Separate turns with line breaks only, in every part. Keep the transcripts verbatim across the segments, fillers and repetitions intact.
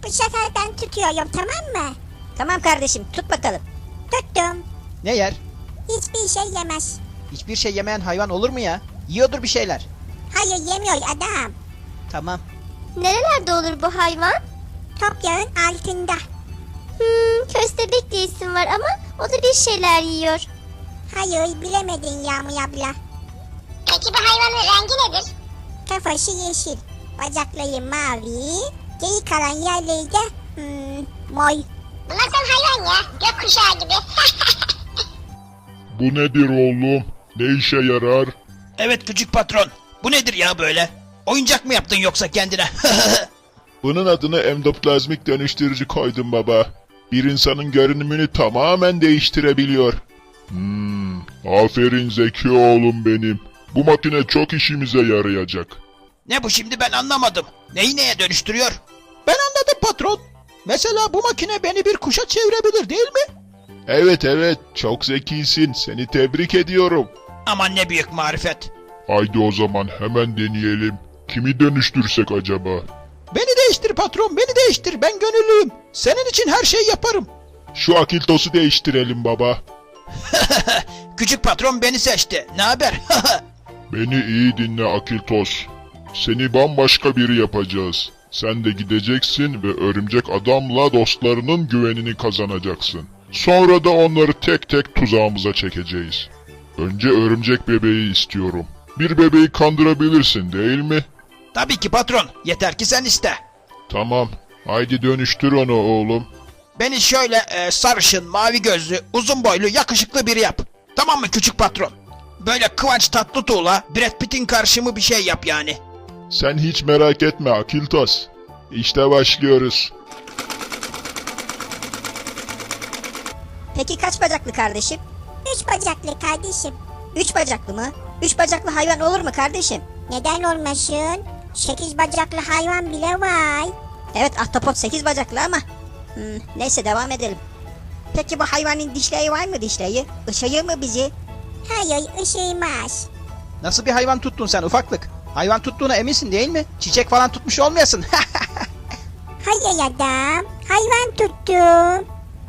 Bu sefer ben tutuyorum, tamam mı?
Tamam kardeşim, tut bakalım.
Tuttum.
Ne yer?
Hiçbir şey yemez.
Hiçbir şey yemeyen hayvan olur mu ya? Yiyordur bir şeyler.
Hayır, yemiyor adam.
Tamam.
Nerelerde olur bu hayvan?
Toprağın altında.
Hmm, köstebek diye isim var ama o da bir şeyler yiyor.
Hayır, bilemedin Yağmur abla.
Peki bu hayvanın rengi nedir?
Kafası yeşil, bacakları mavi, geri kalan yerleri de hmm, mor.
Bu nasıl hayvan ya? Gökkuşağı gibi.
Bu nedir oğlum? Ne işe yarar?
Evet küçük patron. Bu nedir ya böyle? Oyuncak mı yaptın yoksa kendine?
Bunun adını endoplazmik dönüştürücü koydum baba. Bir insanın görünümünü tamamen değiştirebiliyor. Hmm, aferin zeki oğlum benim. Bu makine çok işimize yarayacak.
Ne bu şimdi ben anlamadım. Neyi neye dönüştürüyor? Ben anladım patron. Mesela bu makine beni bir kuşa çevirebilir değil mi?
Evet evet, çok zekisin. Seni tebrik ediyorum.
Aman ne büyük marifet.
Haydi o zaman hemen deneyelim. Kimi dönüştürsek acaba?
Beni değiştir patron, beni değiştir. Ben gönüllüyüm. Senin için her şeyi yaparım.
Şu Akiltos'u değiştirelim baba.
Küçük patron beni seçti. Ne haber?
Beni iyi dinle Akiltos. Seni bambaşka biri yapacağız. Sen de gideceksin ve örümcek adamla dostlarının güvenini kazanacaksın. Sonra da onları tek tek tuzağımıza çekeceğiz. Önce örümcek bebeği istiyorum. Bir bebeği kandırabilirsin değil mi?
Tabii ki patron. Yeter ki sen iste.
Tamam. Haydi dönüştür onu oğlum.
Beni şöyle e, sarışın, mavi gözlü, uzun boylu, yakışıklı biri yap. Tamam mı küçük patron? Böyle Kıvanç Tatlıtuğ'la Brad Pitt'in karşımı bir şey yap yani.
Sen hiç merak etme Akiltos. İşte başlıyoruz.
Peki kaç bacaklı kardeşim?
Üç bacaklı kardeşim.
Üç bacaklı mı? Üç bacaklı hayvan olur mu kardeşim?
Neden olmasın? Sekiz bacaklı hayvan bile var.
Evet, ahtapot sekiz bacaklı ama. Hmm, neyse devam edelim. Peki bu hayvanın dişleri var mı dişleri? Işıyor mu bizi?
Hayır, ışığımaz.
Nasıl bir hayvan tuttun sen ufaklık? Hayvan tuttuğuna eminsin değil mi? Çiçek falan tutmuş olmayasın.
Hayır adam, hayvan tuttum.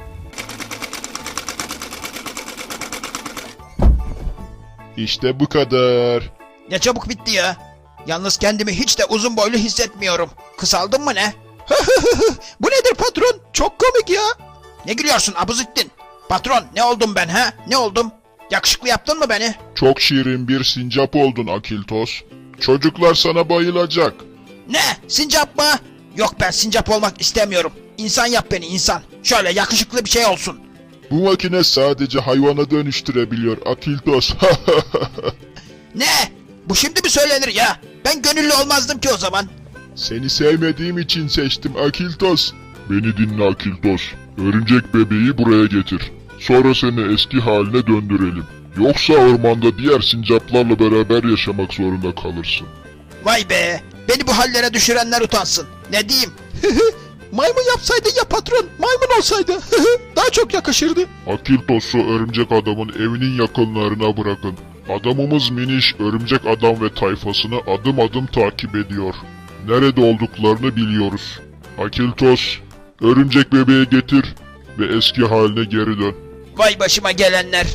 İşte bu kadar.
Ne çabuk bitti ya. Yalnız kendimi hiç de uzun boylu hissetmiyorum. Kısaldım mı ne? Bu nedir patron? Çok komik ya. Ne gülüyorsun Abuzittin? Patron ne oldum ben ha? Ne oldum? Yakışıklı yaptın mı beni?
Çok şirin bir sincap oldun Akiltos. Çocuklar sana bayılacak.
Ne? Sincap mı? Yok ben sincap olmak istemiyorum. İnsan yap beni insan. Şöyle yakışıklı bir şey olsun.
Bu makine sadece hayvana dönüştürebiliyor Akiltos.
Ne? Bu şimdi mi söylenir ya? Ben gönüllü olmazdım ki o zaman.
Seni sevmediğim için seçtim Akiltos. Beni dinle Akiltos. Örümcek bebeği buraya getir. Sonra seni eski haline döndürelim. Yoksa ormanda diğer sincaplarla beraber yaşamak zorunda kalırsın.
Vay be! Beni bu hallere düşürenler utansın. Ne diyeyim? Maymun yapsaydı ya patron, maymun olsaydı. Daha çok yakışırdı.
Akiltos'u örümcek adamın evinin yakınlarına bırakın. Adamımız Miniş, örümcek adam ve tayfasını adım adım takip ediyor. Nerede olduklarını biliyoruz. Akiltos, örümcek bebeği getir ve eski haline geri dön.
Vay başıma gelenler.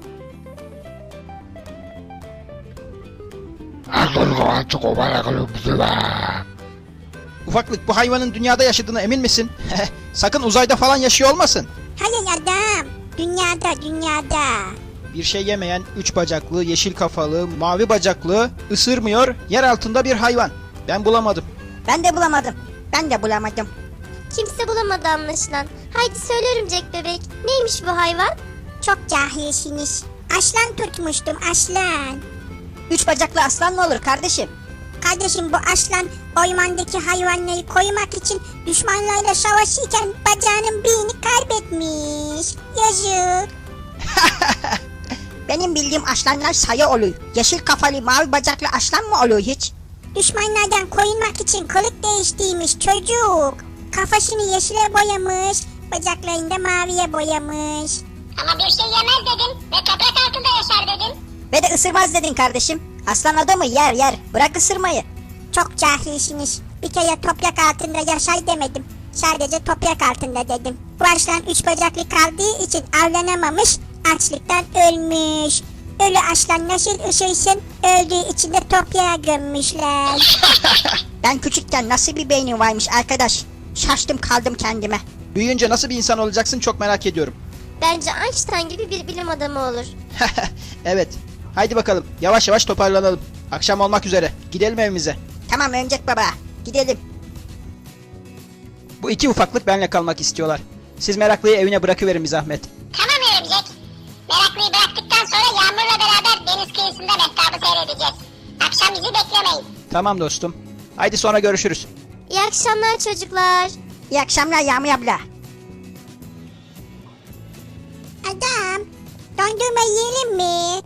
Ufaklık bu hayvanın dünyada yaşadığına emin misin? Sakın uzayda falan yaşıyor olmasın.
Hayır adam, dünyada, dünyada.
Bir şey yemeyen, üç bacaklı, yeşil kafalı, mavi bacaklı, ısırmıyor, yer altında bir hayvan. Ben bulamadım.
Ben de bulamadım. Ben de bulamadım.
Kimse bulamadı anlaşılan. Haydi söyle örümcek bebek. Neymiş bu hayvan?
Çok cahilsiniz. Aslan tutmuştum, aslan.
Üç bacaklı aslan mı olur kardeşim?
Kardeşim bu aslan ormandaki hayvanları korumak için düşmanlarla savaşırken bacağının birini kaybetmiş. Yazık.
Benim bildiğim aslanlar sayı oluyor. Yeşil kafalı mavi bacaklı aslan mı oluyor hiç?
Düşmanlardan korunmak için kılık değiştirmiş çocuk. Kafasını yeşile boyamış, bacaklarını da maviye boyamış.
Ama bir şey yemez dedin ve toprak altında yaşar dedin.
Ve de ısırmaz dedin kardeşim. Aslan adamı yer yer. Bırak ısırmayı.
Çok cahilsiniz. Bir kere toprak altında yaşar demedim. Sadece toprak altında dedim. Bu aslan üç bacaklı kaldığı için avlanamamış, açlıktan ölmüş. Ölü aslan nasıl üşürsün? Öldüğü için de toprağa gömmüşler.
Ben küçükken nasıl bir beynim varmış arkadaş. Şaştım kaldım kendime.
Büyüyünce nasıl bir insan olacaksın çok merak ediyorum.
Bence Einstein gibi bir bilim adamı olur.
Evet. Haydi bakalım yavaş yavaş toparlanalım. Akşam olmak üzere. Gidelim evimize.
Tamam Örümcek Baba, gidelim.
Bu iki ufaklık benimle kalmak istiyorlar. Siz meraklıyı evine bırakıverin bir zahmet.
Tamam Örümcek. Meraklıyı bıraktıktan sonra Yağmur'la beraber deniz kıyısında mehtabı seyredeceğiz. Akşam bizi beklemeyin.
Tamam dostum. Haydi sonra görüşürüz.
İyi akşamlar çocuklar.
İyi akşamlar Yağmur abla.
Adam, dondurma yiyelim mi?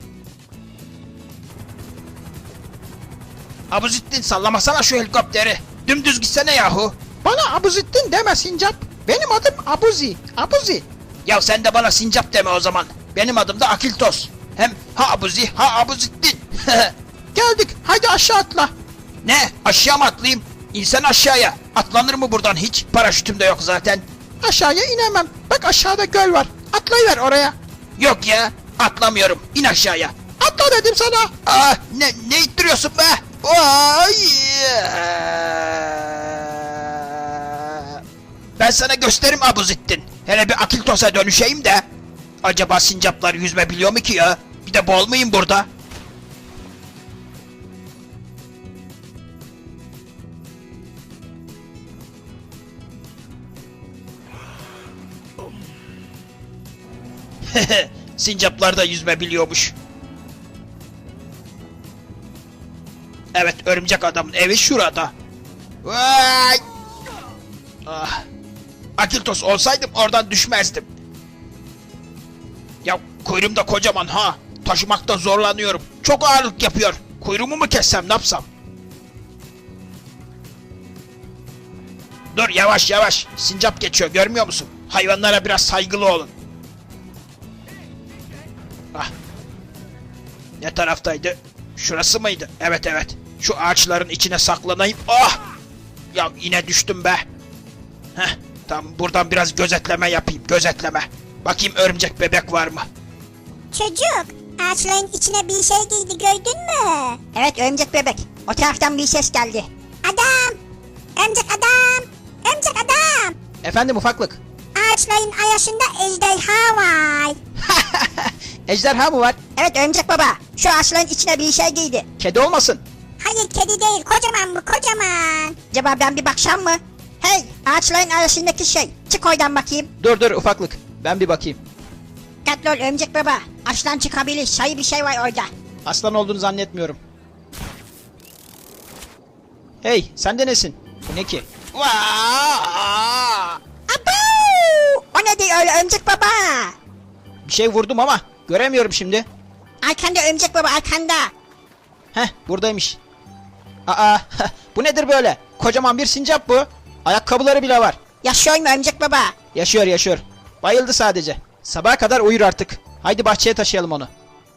Abuzittin sallamasana şu helikopteri. Dümdüz gitsene yahu. Bana Abuzittin deme Sincap. Benim adım Abuzi. Abuzi. Ya sen de bana Sincap deme o zaman. Benim adım da Akiltos. Hem ha Abuzi ha Abuzittin. Geldik. Haydi aşağı atla. Ne? Aşağı mı atlayayım? İnsan aşağıya. Atlanır mı buradan hiç? Paraşütüm de yok zaten. Aşağıya inemem. Bak aşağıda göl var. Atlayıver oraya. Yok ya. Atlamıyorum. İn aşağıya. Atla dedim sana. Aa, ne, ne ittiriyorsun be? Vay! Ben sana gösteririm Abuzittin. Hele bir Akiltos'a dönüşeyim de. Acaba sincaplar yüzme biliyor mu ki ya? Bir de bol muyum burada? Sincaplar da yüzme biliyormuş. Evet, örümcek adamın evi şurada. Vay! Ah. Akiltos olsaydım oradan düşmezdim. Ya kuyruğum da kocaman ha. Taşımakta zorlanıyorum. Çok ağırlık yapıyor. Kuyruğumu mu kessem ne yapsam? Dur yavaş yavaş. Sincap geçiyor görmüyor musun? Hayvanlara biraz saygılı olun. Ah. Ne taraftaydı? Şurası mıydı? Evet evet. Şu ağaçların içine saklanayım. Ah! Ya yine düştüm be. Heh, tamam buradan biraz gözetleme yapayım. Gözetleme. Bakayım örümcek bebek var mı?
Çocuk, ağaçların içine bir şey girdi gördün mü?
Evet Örümcek Bebek, o taraftan bir ses geldi.
Adam, örümcek adam, örümcek adam.
Efendim ufaklık.
Ağaçların arasında ejderha var.
Ejderha mı var?
Evet Örümcek Baba, şu ağaçların içine bir şey giydi.
Kedi olmasın.
Hayır kedi değil, kocaman bu kocaman.
Acaba ben bir baksam mı? Hey, ağaçların arasındaki şey, çık oradan bakayım.
Dur dur ufaklık. Ben bir bakayım.
Dikkatli ol Örümcek Baba, aslan çıkabilir, sayı bir şey var orada.
Aslan olduğunu zannetmiyorum. Hey sen de nesin? Bu ne ki? Vaa!
Abu! O ne diyor öyle Örümcek Baba?
Bir şey vurdum ama göremiyorum şimdi.
Arkanda Örümcek Baba, arkanda.
Heh buradaymış. Aa bu nedir böyle? Kocaman bir sincap bu. Ayakkabıları bile var.
Yaşıyor mu Örümcek Baba?
Yaşıyor yaşıyor. Bayıldı sadece. Sabaha kadar uyur artık. Haydi bahçeye taşıyalım onu.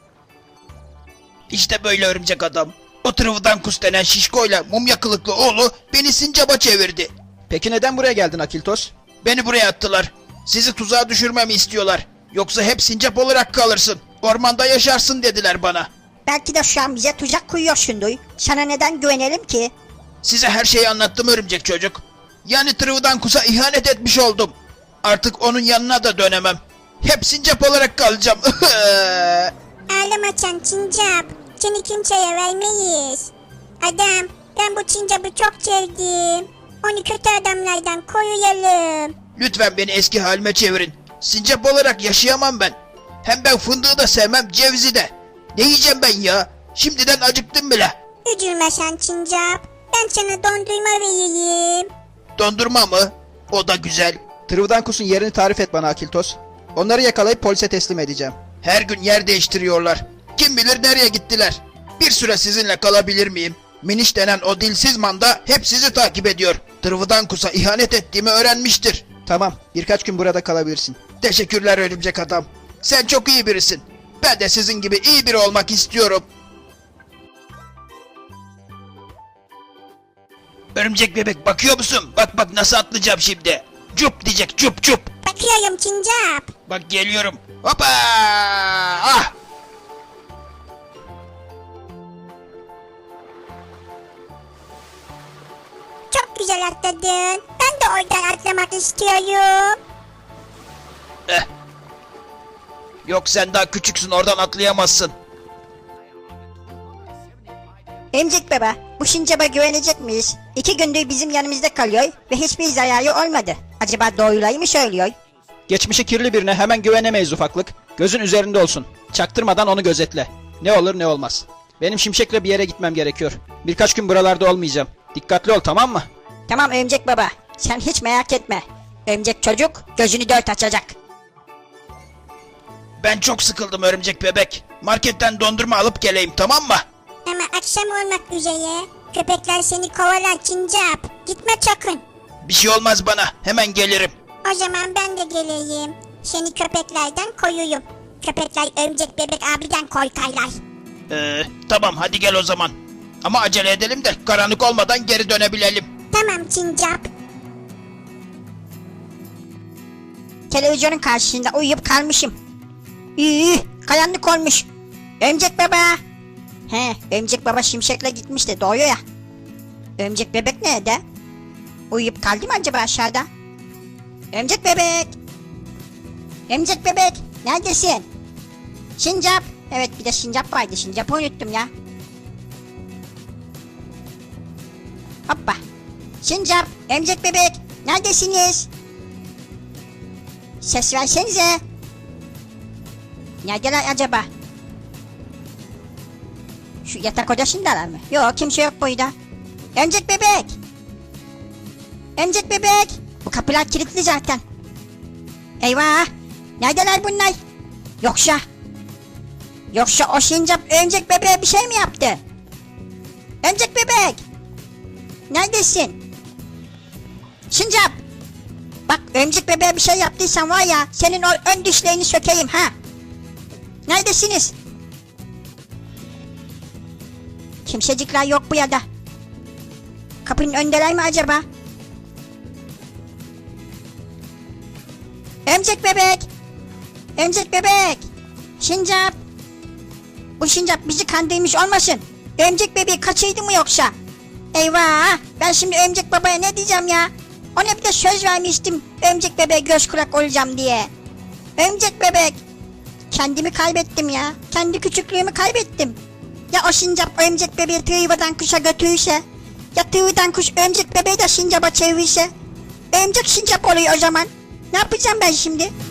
İşte böyle örümcek adam. O Trıvıdankus denen şişkoyla mumya kılıklı oğlu beni sincaba çevirdi. Peki neden buraya geldin Akiltos? Beni buraya attılar. Sizi tuzağa düşürmemi istiyorlar. Yoksa hep sincap olarak kalırsın. Ormanda yaşarsın dediler bana.
Belki de şu an bize tuzak kuruyorsundur. Sana neden güvenelim ki?
Size her şeyi anlattım örümcek çocuk. Yani Trıvıdankus'a ihanet etmiş oldum. Artık onun yanına da dönemem. Hep sincap olarak kalacağım.
Ağlama Çan Çincap. Seni kimseye vermeyiz. Adam, ben bu Çincap'ı çok sevdim. Onu kötü adamlardan koruyalım.
Lütfen beni eski halime çevirin. Sincap olarak yaşayamam ben. Hem ben fındığı da sevmem, cevizi de. Ne yiyeceğim ben ya? Şimdiden acıktım bile.
Üzülme sen Çincap. Ben sana dondurma vereyim.
Dondurma mı? O da güzel. Trıvıdankus'un yerini tarif et bana Akiltos. Onları yakalayıp polise teslim edeceğim. Her gün yer değiştiriyorlar. Kim bilir nereye gittiler. Bir süre sizinle kalabilir miyim? Miniş denen o dilsiz manda hep sizi takip ediyor. Trıvıdankus'a ihanet ettiğimi öğrenmiştir. Tamam, birkaç gün burada kalabilirsin. Teşekkürler örümcek adam. Sen çok iyi birisin. Ben de sizin gibi iyi biri olmak istiyorum. Örümcek bebek bakıyor musun? Bak bak nasıl atlayacağım şimdi. Cup diyecek cup cup.
Bakıyorum Sincap.
Bak geliyorum. Hoppa! Ah!
Çok güzel atladın. Ben de oradan atlamak istiyorum.
Eh. Yok sen daha küçüksün oradan atlayamazsın.
Emcik baba, bu Sincap'a güvenecek miyiz? İki gündür bizim yanımızda kalıyor ve hiçbir zararı olmadı. Acaba doğruları mı söylüyor?
Geçmişi kirli birine hemen güvenemeyiz ufaklık. Gözün üzerinde olsun. Çaktırmadan onu gözetle. Ne olur ne olmaz. Benim Şimşek'le bir yere gitmem gerekiyor. Birkaç gün buralarda olmayacağım. Dikkatli ol, tamam mı?
Tamam Örümcek baba, sen hiç merak etme. Örümcek çocuk gözünü dört açacak.
Ben çok sıkıldım örümcek bebek. Marketten dondurma alıp geleyim tamam mı?
Ama akşam olmak üzere. Köpekler seni kovalar Sincap. Gitme sakın.
Bir şey olmaz bana. Hemen gelirim.
O zaman ben de geleyim. Seni köpeklerden koyuyum. Köpekler örümcek bebek abiden korkarlar.
Ee, tamam hadi gel o zaman. Ama acele edelim de karanlık olmadan geri dönebilelim.
Tamam Sincap.
Televizyonun karşısında uyuyup kalmışım. İyi, karanlık olmuş. Örümcek baba. He, Örümcek baba Şimşek'le gitmiş de doğuyor ya. Örümcek bebek nerede? Uyuyup kaldı mı acaba aşağıda? Örümcek bebek. Örümcek bebek, neredesin? Sincap. Evet, bir de Sincap vardı. Sincap'ı unuttum ya. Hoppa. Sincap, Örümcek bebek, neredesiniz? Ses versenize. Neredeler acaba? Şu yatak odasındalar mı? Yok, kimse yok burada. Örümcek bebek. Örümcek bebek. Bu kapılar kilitli zaten. Eyvah. Neredeler bunlar? Yoksa... Yoksa o Sincap örümcek bebeğe bir şey mi yaptı? Örümcek bebek. Neredesin? Sincap. Bak örümcek bebeğe bir şey yaptıysan var ya, senin o ön dişlerini sökeyim ha. Neredesiniz? Kimsecikler yok bu ya da. Kapının öndeler mi acaba? Örümcek bebek. Örümcek bebek. Sincap. Bu Sincap bizi kandırmış olmasın. Örümcek bebeği kaçırdı mı yoksa? Eyvah. Ben şimdi örümcek babaya ne diyeceğim ya? Ona bir de söz vermiştim. Örümcek bebeğe göz kulak olacağım diye. Örümcek bebek. Kendimi kaybettim ya. Kendi küçüklüğümü kaybettim. Ya o Sincap örümcek bebeği tığıvadan kuşa götürürse? Ya tığıvadan kuş örümcek bebeği de Sincap'a çevirirse? Örümcek Sincap oluyor o zaman. Ne yapacağım ben şimdi?